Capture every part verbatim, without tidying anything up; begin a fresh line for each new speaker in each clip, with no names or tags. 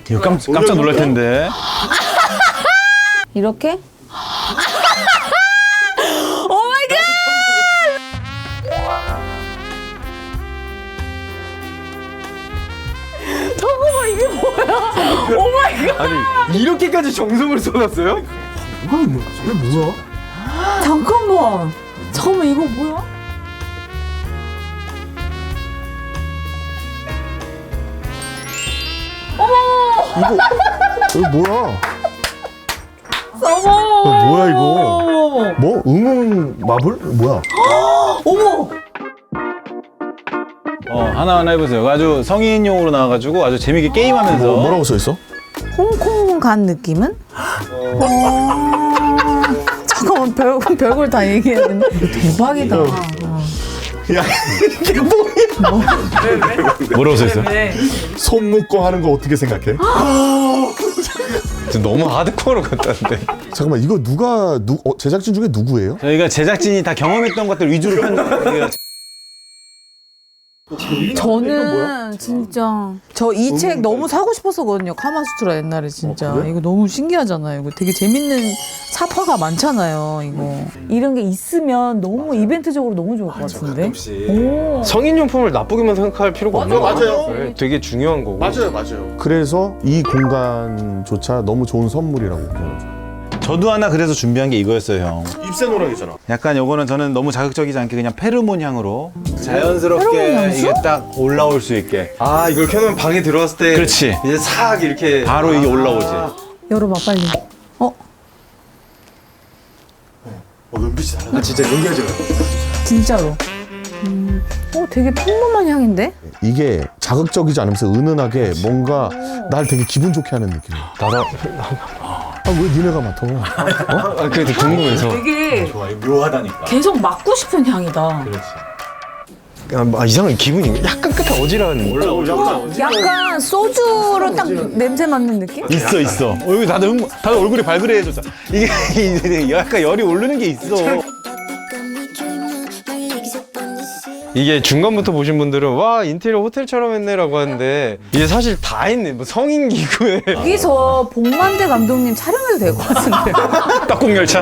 이거 깜, 깜짝 놀랄 텐데.
이렇게? 잠깐만 이게 뭐야? 오마이갓!
아니 이렇게까지 정성을 쏟았어요?
뭐가 있는 거지? 이게 뭐야?
잠깐만. 잠깐만 이거 뭐야?
이거 뭐야?
어머.
이거 뭐야 이거? 뭐? 응응 마블? 뭐야?
어머.
어, 하나하나 해보세요. 아주 성인용으로 나와가지고 아주 재밌게 게임하면서.
뭐, 뭐라고 써 있어?
홍콩 간 느낌은? 어... 잠깐만 별, 별걸 다 얘기해야 되네. 대박이다. 어.
야 이게 뭐야?
뭐라고 써있어요?
손 묶고 하는 거 어떻게 생각해?
너무 하드코어로 갔다는데.
잠깐만 이거 누가 누 어, 제작진 중에 누구예요?
저희가 제작진이 다 경험했던 것들 위주로 편.
저는 진짜 저 이 책 너무 사고 싶었었거든요. 카마수트라 옛날에 진짜. 이거 너무 신기하잖아요. 이거 되게 재밌는 사파가 많잖아요. 이거 이런 게 있으면 너무 이벤트적으로 너무 좋을 것 같은데. 오.
성인용품을 나쁘게만 생각할 필요가 없는 거
맞아요.
네, 되게 중요한 거고.
맞아요. 그래서 이 공간조차 너무 좋은 선물이라고 표현하죠.
저도 하나 그래서 준비한 게 이거였어요, 형.
입새노랑이잖아.
약간 요거는 저는 너무 자극적이지 않게 그냥 페르몬 향으로 자연스럽게
페로몬 향수?
이게 딱 올라올 수 있게.
아 이걸 켜놓으면 방에 들어왔을 때
그렇지.
이제 싹 이렇게
바로 이게 올라오지.
열어봐 빨리. 어?
어, 눈빛이 달라.
아 진짜 연기하지 마.
진짜로. 음. 어 되게 평범한 향인데?
이게 자극적이지 않으면서 은은하게 뭔가 날 되게 기분 좋게 하는 느낌이야.
나도
아, 왜 니네가 맡아? 어?
아 그래도 궁금해서.
되게
좋아, 묘하다니까.
계속 맡고 싶은 향이다.
그렇지.
아, 이상하게 기분이 약간 끝에 어지러운.
올라오지.
약간 소주로 딱 냄새 맡는 느낌?
있어, 있어. 어, 여기 다들, 흥, 다들 얼굴이 발그레해졌어. 이게, 이게 약간 열이 오르는 게 있어.
이게 중간부터 보신 분들은 와 인테리어 호텔처럼 했네라고 하는데 이게 사실 다 했네. 뭐 성인 기구에.
여기서 복만대 감독님 촬영해도 될 것 같은데.
떡국열차?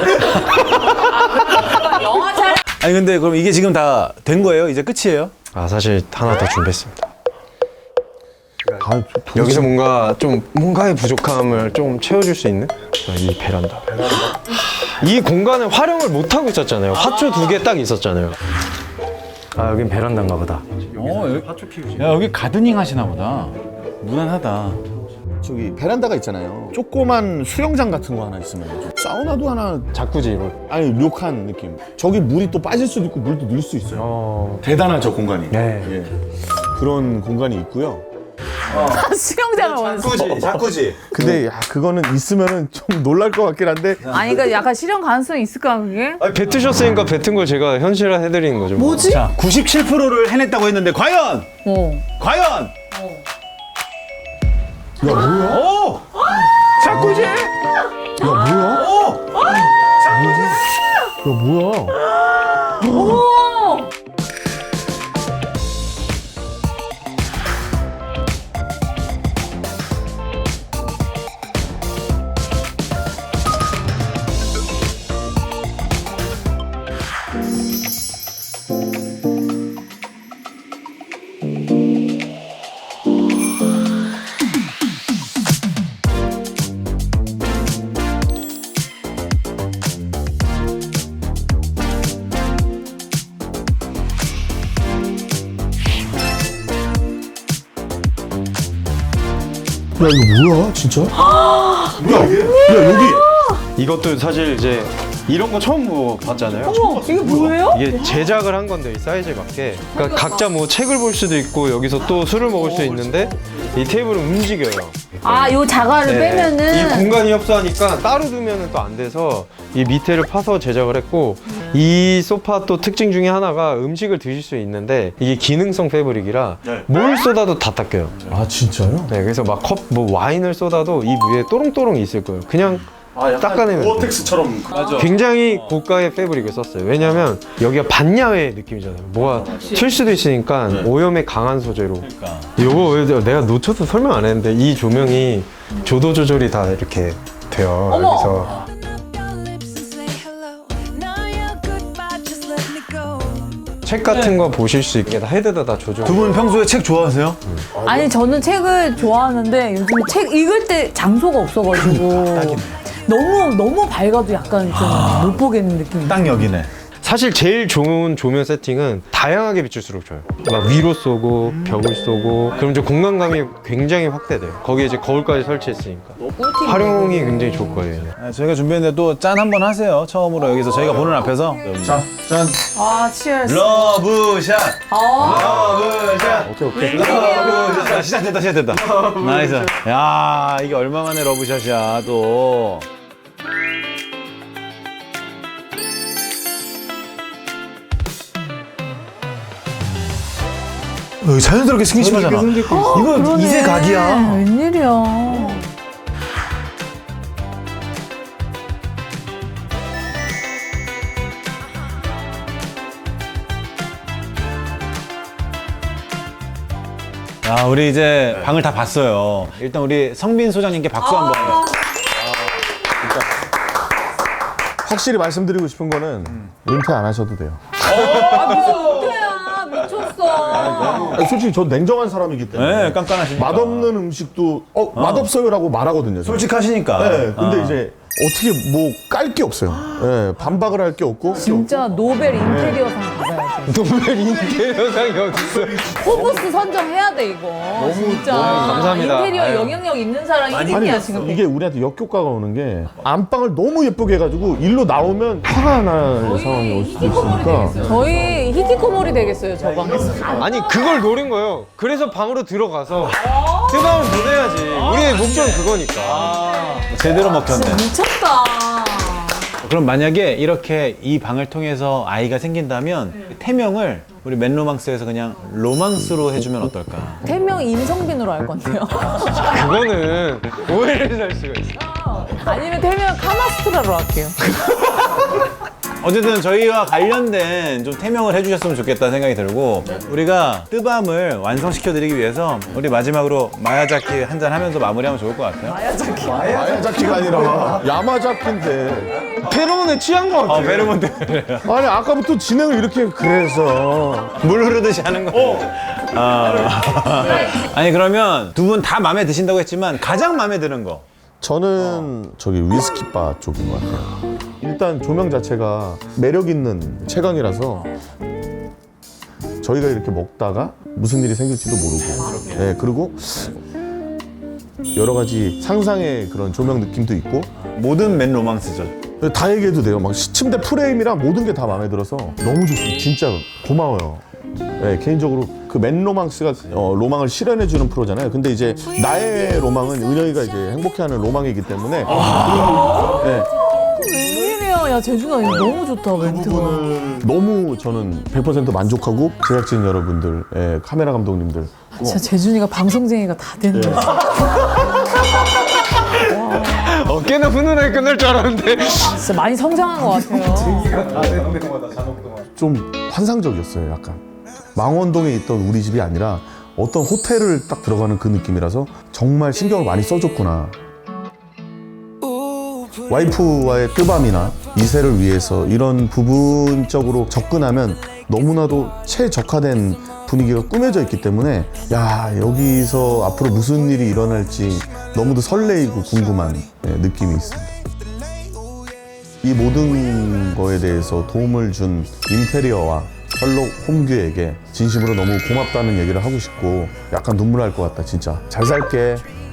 영화 촬영.
아니, 근데 그럼 이게 지금 다 된 거예요? 이제 끝이에요?
아 사실 하나 더 준비했습니다.
아, 도대체-
여기서 뭔가 좀 뭔가의 부족함을 좀 채워줄 수 있는 이 베란다. 이 공간을 활용을 못 하고 있었잖아요. 화초 두 개 딱 있었잖아요. 아 여긴 베란다인가 보다.
어, 여기, 야, 여기 가드닝 하시나 보다. 무난하다.
저기 베란다가 있잖아요. 조그만 수영장 같은 거 하나 있으면 좀 사우나도 하나
자쿠지 이거.
아니 료칸 느낌. 저기 물이 또 빠질 수도 있고 물도 늘 수 있어요.
어.
대단하죠 공간이.
네.
예. 그런 공간이 있고요.
수영장을 원했어.
자쿠지, 자쿠지.
근데 야 그거는 있으면은 좀 놀랄 것 같긴 한데
아니 그러니까 약간 실현 가능성이 있을까 그게?
아 뱉으셨으니까 뱉은 걸 제가 현실화 해드리는 거죠. 뭐.
뭐지?
자, 구십칠 퍼센트를 해냈다고 했는데, 과연!
어.
과연!
야 뭐야?
오! 자쿠지!
야 뭐야?
오!
야 뭐야?
오!
야 이거 뭐야 진짜? 야, 야 여기
이것도 사실 이제 이런 거 처음 뭐 봤잖아요.
어머 이게 뭐예요?
이게 제작을 한 건데 이 사이즈에 맞게. 그러니까 각자 뭐 책을 볼 수도 있고 여기서 또 술을 먹을 수 있는데 이 테이블은 움직여요.
아 요 자갈을
네.
빼면은
이 공간이 협소하니까 따로 두면은 또 안 돼서 이 밑에를 파서 제작을 했고 이 소파 또 특징 중에 하나가 음식을 드실 수 있는데 이게 기능성 패브릭이라 뭘 쏟아도 다 닦여요.
아 진짜요?
네, 그래서 막 컵 뭐 와인을 쏟아도 이 위에 또롱또롱이 있을 거예요. 그냥 닦아내면
고어텍스처럼.
맞아.
굉장히 고가의 패브릭을 썼어요. 왜냐면 여기가 반야외 느낌이잖아요. 뭐가 튈 수도 있으니까 오염에 강한 소재로.
그러니까.
요거 왜 내가 놓쳐서 설명 안 했는데 이 조명이 조도 조절이 다 이렇게 돼요.
어머!
여기서 책 같은 거 보실 수 있게 다 헤드다 다 조정.
두 분 평소에 책 좋아하세요?
아니 저는 책을 좋아하는데 요즘 책 읽을 때 장소가 없어가지고 너무 너무 밝아도 약간 좀 못 보겠는 느낌이.
딱 여기네.
사실 제일 좋은 조명 세팅은 다양하게 비출수록 좋아요. 막 위로 쏘고 벽을 쏘고 그럼 이제 공간감이 굉장히 확대돼요. 거기에 이제 거울까지 설치했으니까 활용이 굉장히 좋을 거예요.
아, 저희가 준비했는데 또 짠 한번 하세요. 처음으로 여기서 저희가 보는 앞에서.
자, 짠.
아 치얼스.
러브샷.
아
러브샷.
오케이, 오케이.
러브샷. 아, 시작됐다, 시작됐다. 나이스. 야, 이게 얼마 만에 러브샷이야, 또. 어, 자연스럽게 스킨십하잖아. 이거 이세 각이야.
웬일이야.
야, 우리 이제 방을 다 봤어요. 일단 우리 성빈 소장님께 박수 한번.
확실히 말씀드리고 싶은 거는 은퇴 안 하셔도 돼요.
아 무슨 은퇴야 미쳤어.
아니, 솔직히 저 냉정한 사람이기 때문에
네, 깐깐하시니까.
맛없는 음식도 어, 맛없어요라고 말하거든요. 저는.
솔직하시니까.
네, 근데
어.
이제 어떻게 뭐 깔 게 없어요. 네, 반박을 할 게 없고.
진짜 노벨 인테리어상 받아야지.
노벨 인테리어상이 어딨어요?
포브스 선정해야 돼 이거. 진짜.
너무 감사합니다.
인테리어
아유.
영향력 있는 사람이 일 등이야 지금.
이게 우리한테 역효과가 오는 게 안방을 너무 예쁘게 해가지고 일로 나오면 화가 날 상황이 올 수도 있으니까.
저희 히키코모리 되겠어요 저 방에서.
아니 그걸 노린 거예요. 그래서 방으로 들어가서 뜨거운 보내야지. 우리의 목적은 그거니까.
제대로 먹혔네.
미쳤다.
그럼 만약에 이렇게 이 방을 통해서 아이가 생긴다면 태명을 우리 맨로망스에서 그냥 로망스로 해주면 어떨까?
태명 임성빈으로 할 건데요.
그거는 오해를 살 수가 있어.
아니면 태명 카마스트라로 할게요.
어쨌든 저희와 관련된 좀 태명을 해주셨으면 좋겠다는 생각이 들고 우리가 뜨밤을 완성시켜드리기 위해서 우리 마지막으로 마야자키 한잔 하면서 마무리하면 좋을 것 같아요.
마야자키가 아니라 야마자키인데.
페로몬에 취한 거 같아.
어, 베르몬드.
아니 아까부터 진행을 이렇게 그래서.
물 흐르듯이 하는 거. 아. 아니 그러면 두 분 다 마음에 드신다고 했지만 가장 마음에 드는 거.
저는 저기 위스키바 쪽인 것 같아요. 일단 조명 자체가 매력 있는 채광이라서 저희가 이렇게 먹다가 무슨 일이 생길지도 모르고, 네, 그리고 여러 가지 상상의 그런 조명 느낌도 있고.
모든 맨 로망스죠.
다 얘기해도 돼요. 막 침대 프레임이랑 모든 게 다 마음에 들어서 너무 좋습니다. 진짜 고마워요. 네, 개인적으로 그 맨 로망스가 어, 로망을 실현해주는 프로잖아요. 근데 이제 나의 로망은 은영이가 이제 행복해하는 로망이기 때문에. 네.
웬일이야. 야 재준아 이거 너무 좋다 멘트가.
너무 저는 백 퍼센트 만족하고 제작진 여러분들, 예, 카메라 감독님들.
진짜 재준이가 방송쟁이가 다 됐네.
어깨나 훈훈하게 끝날 줄 알았는데.
진짜 많이 성장한 것 같아요.
좀 환상적이었어요, 약간. 망원동에 있던 우리 집이 아니라 어떤 호텔을 딱 들어가는 그 느낌이라서 정말 신경을 많이 써줬구나. 와이프와의 뜨밤이나 이세를 위해서 이런 부분적으로 접근하면 너무나도 최적화된 분위기가 꾸며져 있기 때문에 야, 여기서 앞으로 무슨 일이 일어날지 너무도 설레이고 궁금한, 예, 느낌이 있습니다. 이 모든 거에 대해서 도움을 준 인테리어와 셜록 홈규에게 진심으로 너무 고맙다는 얘기를 하고 싶고 약간 눈물 날 것 같다. 진짜 잘 살게.